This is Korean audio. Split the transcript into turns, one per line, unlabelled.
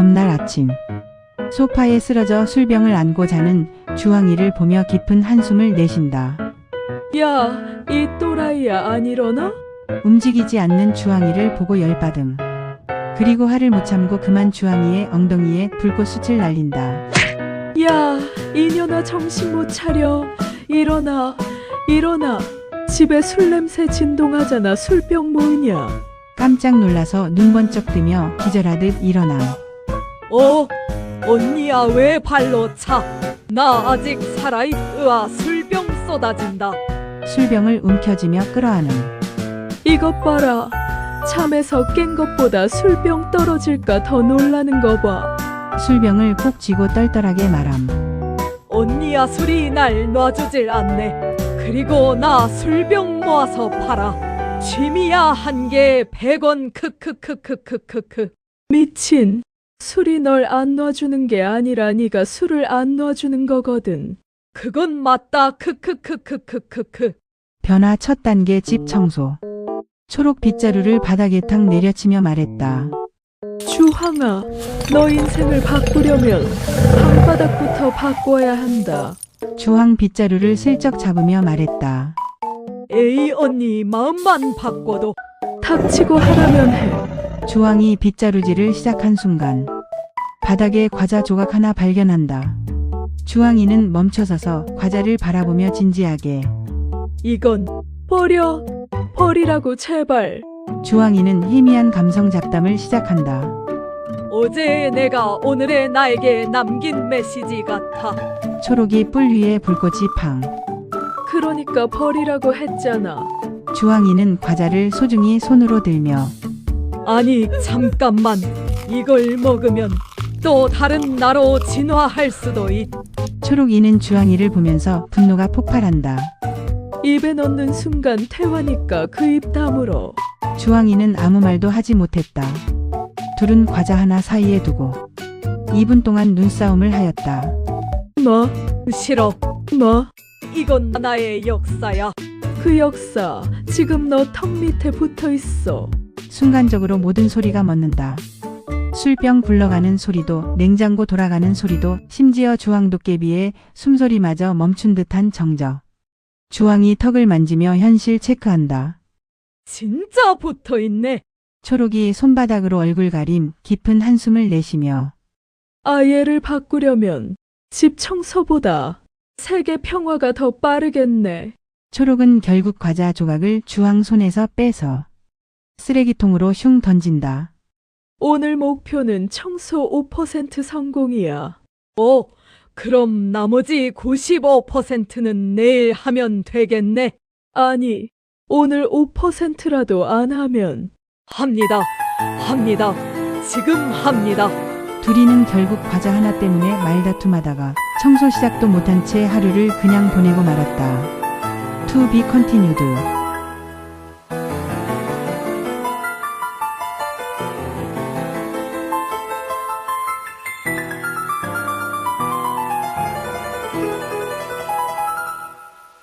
다음날 아침 소파에 쓰러져 술병을 안고 자는 주황이를 보며 깊은 한숨을 내쉰다.
야, 이 또라이야 안 일어나?
움직이지 않는 주황이를 보고 열받음. 그리고 화를 못 참고 그만 주황이의 엉덩이에 불꽃숯을 날린다.
야, 이년아 정신 못 차려. 일어나, 일어나. 집에 술 냄새 진동하잖아. 술병 뭐냐?
깜짝 놀라서 눈 번쩍 뜨며 기절하듯 일어남.
언니야 왜 발로 차? 나 아직 살아있으아. 술병 쏟아진다.
술병을 움켜쥐며 끌어안음.
이것 봐라. 잠에서 깬 것보다 술병 떨어질까 더 놀라는 거 봐.
술병을 콕 쥐고 떨떨하게 말함.
언니야 술이 날 놔주질 않네. 그리고 나 술병 모아서 팔아. 취미야 한 개에 100원. 크크크크크크크. 미친. 술이 널 안 놔주는 게 아니라 네가 술을 안 놔주는 거거든. 그건 맞다. 크크크크크크크.
변화 첫 단계 집 청소. 초록 빗자루를 바닥에 탁 내려치며 말했다.
주황아, 너 인생을 바꾸려면 방바닥부터 바꿔야 한다.
주황 빗자루를 슬쩍 잡으며 말했다.
에이 언니 마음만 바꿔도 닥치고 하라면 해.
주황이 빗자루질을 시작한 순간 바닥에 과자 조각 하나 발견한다. 주황이는 멈춰서서 과자를 바라보며 진지하게.
이건 버리라고 제발.
주황이는 희미한 감성 잡담을 시작한다.
어제 내가 오늘의 나에게 남긴 메시지 같아.
초록이 뿔 위에 불꽃이 팡.
그러니까 버리라고 했잖아.
주황이는 과자를 소중히 손으로 들며.
아니 잠깐만. 이걸 먹으면 또 다른 나로 진화할 수도 있.
초록이는 주황이를 보면서 분노가 폭발한다.
입에 넣는 순간 태화니까 그 입 다물어.
주황이는 아무 말도 하지 못했다. 둘은 과자 하나 사이에 두고 2분 동안 눈싸움을 하였다.
뭐? 싫어. 뭐? 이건 나의 역사야. 그 역사 지금 너 턱 밑에 붙어 있어.
순간적으로 모든 소리가 멎는다. 술병 굴러가는 소리도, 냉장고 돌아가는 소리도, 심지어 주황 도깨비의 숨소리마저 멈춘 듯한 정적. 주황이 턱을 만지며 현실 체크한다.
진짜 붙어 있네.
초록이 손바닥으로 얼굴 가림 깊은 한숨을 내쉬며.
아예를 바꾸려면 집 청소보다 세계 평화가 더 빠르겠네.
초록은 결국 과자 조각을 주황 손에서 빼서 쓰레기통으로 슝 던진다.
오늘 목표는 청소 5% 성공이야. 그럼 나머지 95%는 내일 하면 되겠네. 아니, 오늘 5%라도 안 하면. 합니다. 지금 합니다.
둘이는 결국 과자 하나 때문에 말다툼하다가 청소 시작도 못한 채 하루를 그냥 보내고 말았다. To be continued.